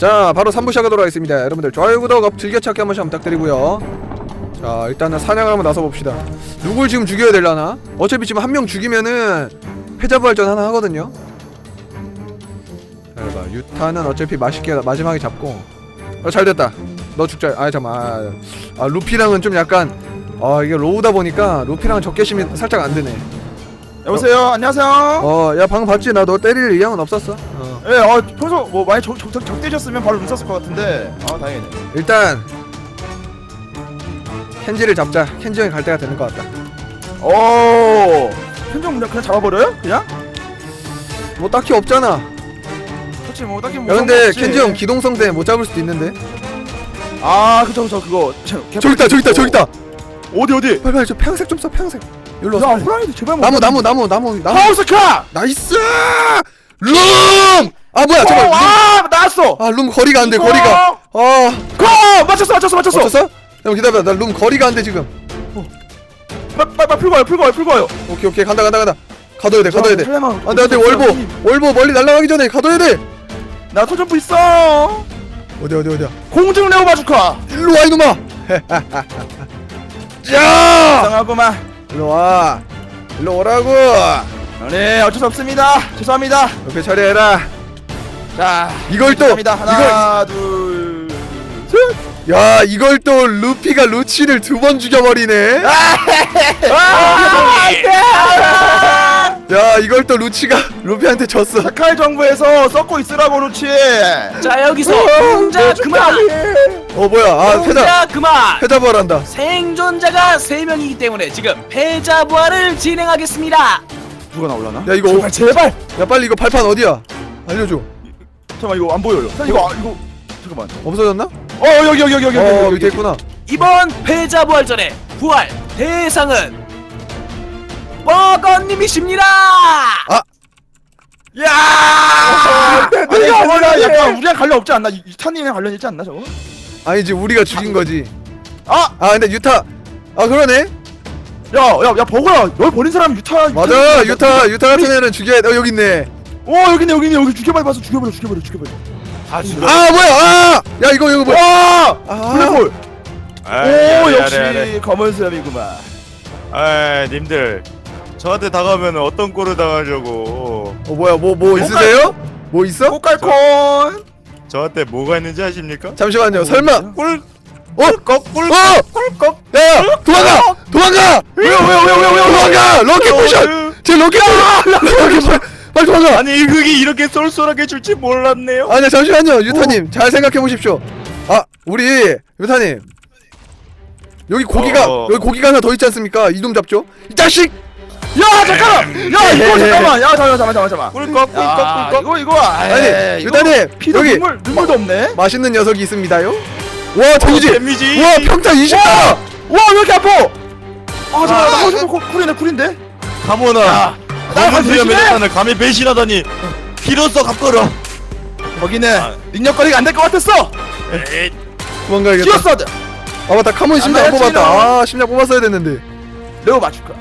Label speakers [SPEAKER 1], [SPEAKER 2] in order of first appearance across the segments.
[SPEAKER 1] 자, 바로 3부 시작하도록 하겠습니다. 여러분들 좋아요, 구독, 즐겨찾기 한 번씩 부탁드리고요. 자, 일단은 사냥을 한번 나서봅시다. 누굴 지금 죽여야 되려나? 어차피 지금 한 명 죽이면은 패자부활전 하나 하거든요. 자, 봐. 유타는 어차피 맛있게 마지막에 잡고. 잘됐다. 너 죽자. 잠깐만. 루피랑은 좀 약간 이게 로우다 보니까 루피랑은 적개심이 살짝 안 되네.
[SPEAKER 2] 여보세요. 안녕하세요.
[SPEAKER 1] 야, 방금 봤지? 나 너 때릴 의향은 없었어.
[SPEAKER 2] 예, 평소 뭐 많이 적대셨으면 바로 눈 썼을 것 같은데. 다행이네.
[SPEAKER 1] 일단 켄지를 잡자. 켄지 형이 갈 때가 되는 것 같다.
[SPEAKER 2] 현정 그냥 잡아버려요? 그냥?
[SPEAKER 1] 뭐 딱히 없잖아.
[SPEAKER 2] 그렇지 뭐 딱히 뭐.
[SPEAKER 1] 야, 근데
[SPEAKER 2] 없지.
[SPEAKER 1] 켄지 형 기동성 때문에 못 잡을 수도 있는데.
[SPEAKER 2] 그쵸 그거.
[SPEAKER 1] 저기 있다.
[SPEAKER 2] 어디?
[SPEAKER 1] 빨리 저 평색 좀 써. 평색. 일로
[SPEAKER 2] 야,
[SPEAKER 1] 와.
[SPEAKER 2] 호랑이도 제발.
[SPEAKER 1] 나무.
[SPEAKER 2] 하우스카.
[SPEAKER 1] 나이스. 룸. 뭐야? 잠깐.
[SPEAKER 2] 나왔어.
[SPEAKER 1] 룸 거리가 안 돼.
[SPEAKER 2] 이거.
[SPEAKER 1] 거리가.
[SPEAKER 2] 맞췄어.
[SPEAKER 1] 맞췄어? 형 기다려. 나 룸 거리가 안 돼 지금.
[SPEAKER 2] 빨리 풀고 와요.
[SPEAKER 1] 오케이. 간다. 가둬야 돼.
[SPEAKER 2] 설레만.
[SPEAKER 1] 안돼. 월보 멀리 날아가기 전에 가둬야 돼.
[SPEAKER 2] 나 토점프 있어.
[SPEAKER 1] 어디야?
[SPEAKER 2] 공중 레오 바주카.
[SPEAKER 1] 일로 와 이놈아. 자.
[SPEAKER 2] 이상하구만.
[SPEAKER 1] 일로 와. 일로 오라고.
[SPEAKER 2] 네, 어쩔 수 없습니다. 죄송합니다.
[SPEAKER 1] 옆에 처리해라.
[SPEAKER 2] 자,
[SPEAKER 1] 이걸 또
[SPEAKER 2] 죄송합니다. 하나, 둘, 셋.
[SPEAKER 1] 야, 이걸 또 루피가 루치를 2번 죽여버리네. 야, 이걸 또 루치가 루피한테 졌어.
[SPEAKER 2] 사카이 정부에서 썩고 있으라고 루치.
[SPEAKER 3] 자, 여기서 혼자 그만!
[SPEAKER 1] 뭐야?
[SPEAKER 3] 혼자 그만!
[SPEAKER 1] 패자부활한다.
[SPEAKER 3] 생존자가 3명이기 때문에 지금 패자부활을 진행하겠습니다.
[SPEAKER 2] 누가 나올라나?
[SPEAKER 1] 야, 이거
[SPEAKER 2] 제발.
[SPEAKER 1] 야, 빨리 이거 발판 어디야? 알려줘.
[SPEAKER 2] 잠깐만, 이거 안 보여요. 이거 잠깐만.
[SPEAKER 1] 없어졌나?
[SPEAKER 2] 여기
[SPEAKER 1] 밑에 있구나.
[SPEAKER 3] 이번 패자부활전의 부활 대상은 버거님이십니다.
[SPEAKER 2] 야! 아니, 약간 우리랑 관련 없지 않나? 유타님이랑 관련 있지 않나 저거?
[SPEAKER 1] 아니지, 우리가 죽인 거지.
[SPEAKER 2] 아!
[SPEAKER 1] 근데 유타. 그러네.
[SPEAKER 2] 야, 버거야. 널 버린 사람 유타.
[SPEAKER 1] 맞아. 유타 같은 애는 죽여야 돼. 여기 있네.
[SPEAKER 2] 여기 있네. 여기 죽여버려.
[SPEAKER 1] 뭐야? 야, 이거 뭐야?
[SPEAKER 2] 블랙홀. 역시
[SPEAKER 4] 야래.
[SPEAKER 2] 검은 수염이구만.
[SPEAKER 4] 님들 저한테 다가오면 어떤 꼴을 당하려고.
[SPEAKER 1] 뭐야? 뭐 있으세요? 뭐 있어?
[SPEAKER 2] 꽃갈콘.
[SPEAKER 4] 저한테 뭐가 있는지 아십니까?
[SPEAKER 1] 잠시만요. 설마
[SPEAKER 4] 꿀
[SPEAKER 1] 꿀꺽. 야, 도망가.
[SPEAKER 2] 왜요?
[SPEAKER 1] 도망가. 럭키 포션. 제 럭키 포션. 빨리 도망가.
[SPEAKER 4] 아니 이 흙이 이렇게 쏠쏠하게 줄지 몰랐네요.
[SPEAKER 1] 아니야, 잠시만요. 유타님 잘 생각해 보십시오. 우리 유타님, 여기 고기가 하나 더 있지 않습니까? 이놈 잡죠. 이 자식.
[SPEAKER 2] 야, 잠깐만. 야, 이거 잠깐만. 야, 잠깐만.
[SPEAKER 4] 꿀꺽.
[SPEAKER 2] 이거.
[SPEAKER 1] 아니, 유타님,
[SPEAKER 2] 피도
[SPEAKER 1] 여기
[SPEAKER 2] 눈물도 없네.
[SPEAKER 1] 맛있는 녀석이 있습니다요. 와, 데미지.
[SPEAKER 4] 데미지.
[SPEAKER 1] 와, 평타 20.
[SPEAKER 2] 와, 왜 이렇게 아파? 잠깐만. 나 쿨인데.
[SPEAKER 4] 가모나.
[SPEAKER 2] 나
[SPEAKER 4] 검은 수염의
[SPEAKER 2] 배신해?
[SPEAKER 4] 대탄을 감히 배신하다니. 피로써 갚거라.
[SPEAKER 2] 거기는 능력거리가 안 될 것 같았어.
[SPEAKER 1] 도망가야겠다.
[SPEAKER 2] 기어서드.
[SPEAKER 1] 맞다. 카몬 심장 안
[SPEAKER 2] 안 되지,
[SPEAKER 1] 뽑았다. 심장 뽑았어야 됐는데.
[SPEAKER 2] 레오 맞출까?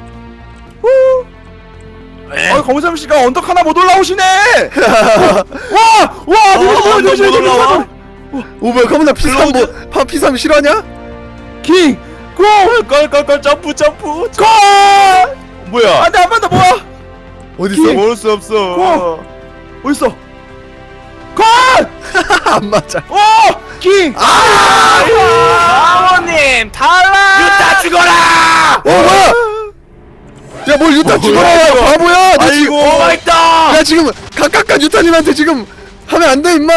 [SPEAKER 2] 검은삼 씨가 언덕 하나 못 올라오시네. 와,
[SPEAKER 4] 언덕 못 올라와?
[SPEAKER 1] 뭐야? 카몬 나 P3 P3 싫어하냐?
[SPEAKER 2] 킹, 고,
[SPEAKER 4] 껄껄껄 점프.
[SPEAKER 2] 고.
[SPEAKER 4] 뭐야?
[SPEAKER 2] 안돼, 한 번 더 모아.
[SPEAKER 1] 어디 있어?
[SPEAKER 4] 모을 수 없어.
[SPEAKER 2] 어딨어? 고!
[SPEAKER 1] 안 맞아.
[SPEAKER 2] 킹.
[SPEAKER 3] 아버님 탈락!
[SPEAKER 4] 유타 죽어라!
[SPEAKER 1] 뭐야? 야, 뭘 유타 죽어라, 바보야! 너 지금,
[SPEAKER 4] 오마이갓!
[SPEAKER 1] 야, 지금 각각각 유타님한테 지금 하면 안 돼, 임마.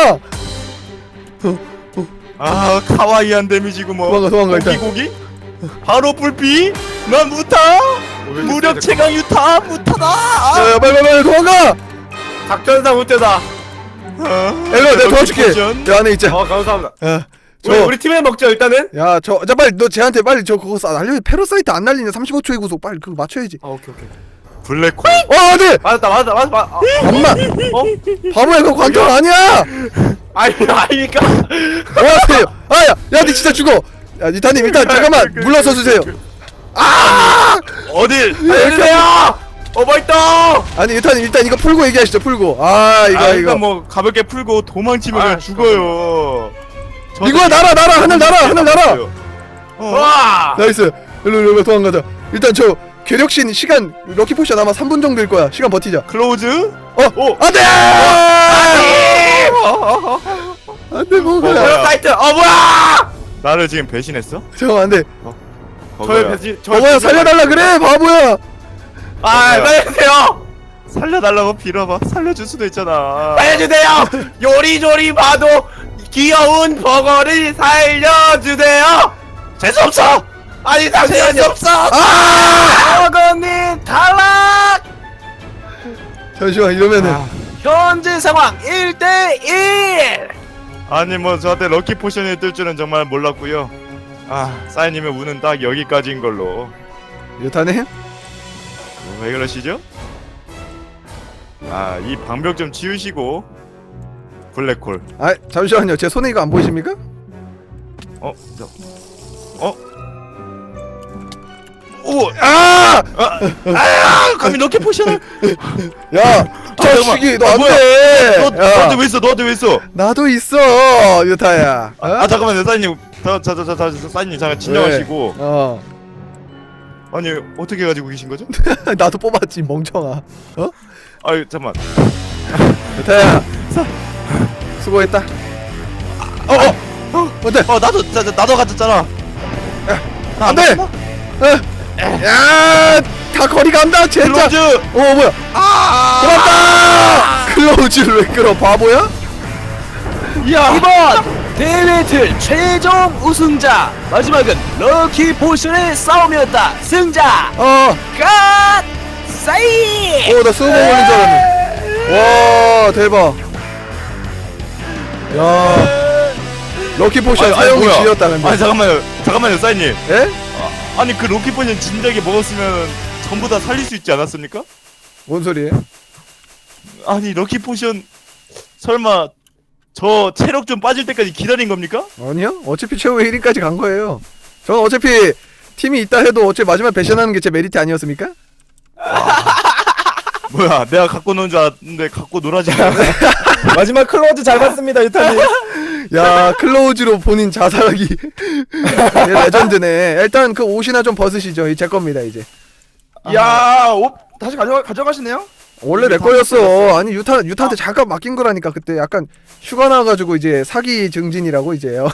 [SPEAKER 4] 카와이한 데미지고 뭐.
[SPEAKER 1] 도망가, 일단.
[SPEAKER 4] 고기? 바로 불피? 난 무타! 무력 최강 유타 무타다!
[SPEAKER 1] 야, 빨리 도망가.
[SPEAKER 5] 작전상 못되다.
[SPEAKER 1] 일로 내가 도와줄게. 야, 안에 있자.
[SPEAKER 5] 감사합니다.
[SPEAKER 1] 야,
[SPEAKER 5] 우리 팀에 먹죠 일단은.
[SPEAKER 1] 야, 자, 빨리 너 쟤한테 빨리 그거 알려. 페로사이트 안 날리냐? 35초의 구속 빨리 그거 맞춰야지.
[SPEAKER 5] 오케이.
[SPEAKER 4] 블랙홀.
[SPEAKER 1] 네.
[SPEAKER 5] 맞았다.
[SPEAKER 1] 엄마. 바보야, 그거 관통 아니야.
[SPEAKER 5] 아니니까.
[SPEAKER 1] 뭐하세요? 야, 니 진짜 죽어. 야, 니타님 일단 잠깐만 물러서 주세요.
[SPEAKER 4] 어딜?
[SPEAKER 5] 알려주세요. 맛있다.
[SPEAKER 1] 아니 유타님 일단 이거 풀고 얘기하시죠. 풀고. 이거
[SPEAKER 4] 일단 뭐 가볍게 풀고 도망치면 그냥 죽어요.
[SPEAKER 1] 이거 날아 하늘 날아.
[SPEAKER 5] 와.
[SPEAKER 1] 나이스. 일로 도망가자. 일단 저 괴력신 시간 럭키 포션 아마 3분 정도일 거야. 시간 버티자.
[SPEAKER 4] 클로즈?
[SPEAKER 1] 안돼. 안돼 뭐야?
[SPEAKER 4] 뭐야?
[SPEAKER 5] 사이트. 뭐야?
[SPEAKER 4] 나를 지금 배신했어?
[SPEAKER 1] 잠깐 안돼.
[SPEAKER 4] 버거야.
[SPEAKER 1] 버거야 살려달라 그래 바보야.
[SPEAKER 5] 살려주세요.
[SPEAKER 4] 살려달라고 빌어봐. 살려줄 수도 있잖아.
[SPEAKER 5] 살려주세요. 요리조리 봐도 귀여운 버거를 살려주세요.
[SPEAKER 4] 재수 없어.
[SPEAKER 5] 아니 잠시만요. 없어.
[SPEAKER 3] 버거님 탈락.
[SPEAKER 1] 잠시만 이러면은
[SPEAKER 3] 현재 상황 1대1.
[SPEAKER 4] 아니 뭐 저한테 럭키 포션이 뜰 줄은 정말 몰랐고요. 사인님의 운은 딱 여기까지인 걸로.
[SPEAKER 1] 유타님?
[SPEAKER 4] 왜 그러시죠? 이 방벽 좀 치우시고. 블랙홀.
[SPEAKER 1] 잠시만요. 제 손에 이거 안 보이십니까?
[SPEAKER 4] 오! 감히 럭키 포션을.
[SPEAKER 1] 야, 저 시기 너 안 돼.
[SPEAKER 4] 너한테 왜 있어? 너한테 왜 있어?
[SPEAKER 1] 나도 있어, 유타야.
[SPEAKER 4] 잠깐만요, 사인님. 사인님 잠깐 진정하시고. 아니 어떻게 가지고 계신 거죠?
[SPEAKER 1] 나도 뽑았지 멍청아.
[SPEAKER 4] 잠만.
[SPEAKER 1] 유타야. 수고했다. 어때?
[SPEAKER 4] 나도 가졌잖아.
[SPEAKER 1] 안 돼. 야, 다 거리 간다, 진짜.
[SPEAKER 4] 클로즈.
[SPEAKER 1] 뭐야? 끌었다. 클로즈를 왜 끌어? 바보야?
[SPEAKER 3] 이번 대회 틀 최종 우승자 마지막은 럭키 포션의 싸움이었다. 승자 갓 사이.
[SPEAKER 1] 나 스노우 걸린 줄 알았네. 와, 대박. 야, 럭키 포션 사용이
[SPEAKER 4] 뭐야?
[SPEAKER 1] 지렸다 근데.
[SPEAKER 4] 잠깐만요, 사인님.
[SPEAKER 1] 예?
[SPEAKER 4] 아니 그 럭키 포션 진작에 먹었으면 전부 다 살릴 수 있지 않았습니까?
[SPEAKER 1] 뭔 소리예요?
[SPEAKER 4] 아니 럭키 포션 설마 저 체력 좀 빠질 때까지 기다린 겁니까?
[SPEAKER 1] 아니요. 어차피 최후 1위까지 간 거예요. 저는 어차피 팀이 있다 해도 어차피 마지막 배신하는 게 제 메리트 아니었습니까?
[SPEAKER 4] 뭐야, 내가 갖고 노는 줄 알았는데 갖고 놀아지.
[SPEAKER 2] 마지막 클로즈 잘 봤습니다 유타님.
[SPEAKER 1] 야, 클로즈로 본인 자살하기. 얘 레전드네. 일단 그 옷이나 좀 벗으시죠. 이 제 겁니다 이제.
[SPEAKER 2] 옷 다시 가져가시네요?
[SPEAKER 1] 원래 내 거였어. 아니 유타한테 잠깐 맡긴 거라니까. 그때 약간 휴가 나가지고 이제 사기 증진이라고 이제요.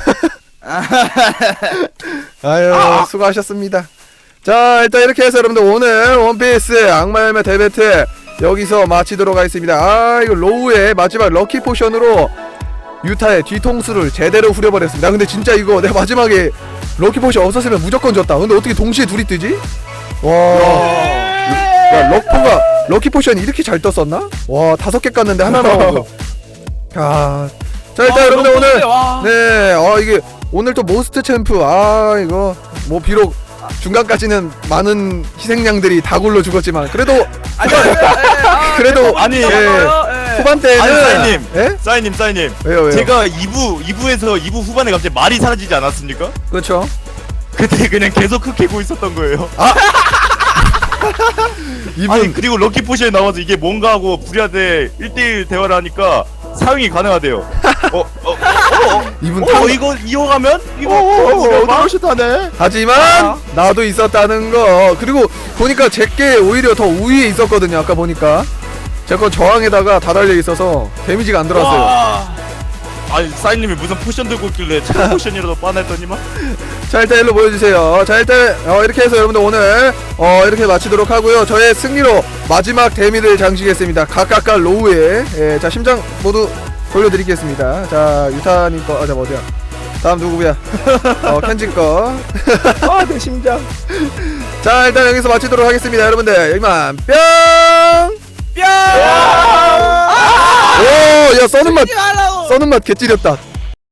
[SPEAKER 1] 아유, 수고하셨습니다. 자, 일단 이렇게 해서 여러분들 오늘 원피스 악마 열매 대배틀 여기서 마치도록 하겠습니다. 이거 로우의 마지막 럭키 포션으로 유타의 뒤통수를 제대로 후려버렸습니다. 근데 진짜 이거 내가 마지막에 럭키 포션 없었으면 무조건 졌다. 근데 어떻게 동시에 둘이 뜨지? 와, 야, 럭키 포션이 이렇게 잘 떴었나? 와, 5개 깠는데 하나 나오고. 자, 일단 여러분들 오늘 네, 이게 오늘 또 모스트 챔프 이거 뭐 비록 중간까지는 많은 희생양들이 다 굴러 죽었지만 그래도
[SPEAKER 4] 아니,
[SPEAKER 1] 후반때는
[SPEAKER 4] 아니, 사인님.
[SPEAKER 1] 왜요?
[SPEAKER 4] 제가 2부에서 2부 후반에 갑자기 말이 사라지지 않았습니까?
[SPEAKER 1] 그렇죠.
[SPEAKER 4] 그때 그냥 계속 흑해고 있었던 거예요. 아니 그리고 럭키 포션에 나와서 이게 뭔가 하고 불리한테 1대1 대화를 하니까 사용이 가능하대요.
[SPEAKER 1] 이분
[SPEAKER 4] 이거 이어가면?
[SPEAKER 2] 멋있다네.
[SPEAKER 1] 하지만 나도 있었다는 거. 그리고 보니까 제게 오히려 더 우위에 있었거든요. 아까 보니까 제 거 저항에다가 다 달려 있어서 데미지가 안 들어왔어요.
[SPEAKER 4] 아니 사인님이 무슨 포션 들고 있길래 차 포션이라도 빠냈더니만.
[SPEAKER 1] 자, 일단 일로 보여주세요. 자, 일단 이렇게 해서 여러분들 오늘 이렇게 마치도록 하고요. 저의 승리로 마지막 데미를 장식했습니다. 각각각 로우에. 자, 심장 모두 돌려드리겠습니다. 자, 유타님 거. 자, 어디야? 다음 누구야? 켄지 거.
[SPEAKER 2] 내 심장.
[SPEAKER 1] 자, 일단 여기서 마치도록 하겠습니다. 여러분들 여기만 뿅. 오, 야, 써는 맛 개찌렸다.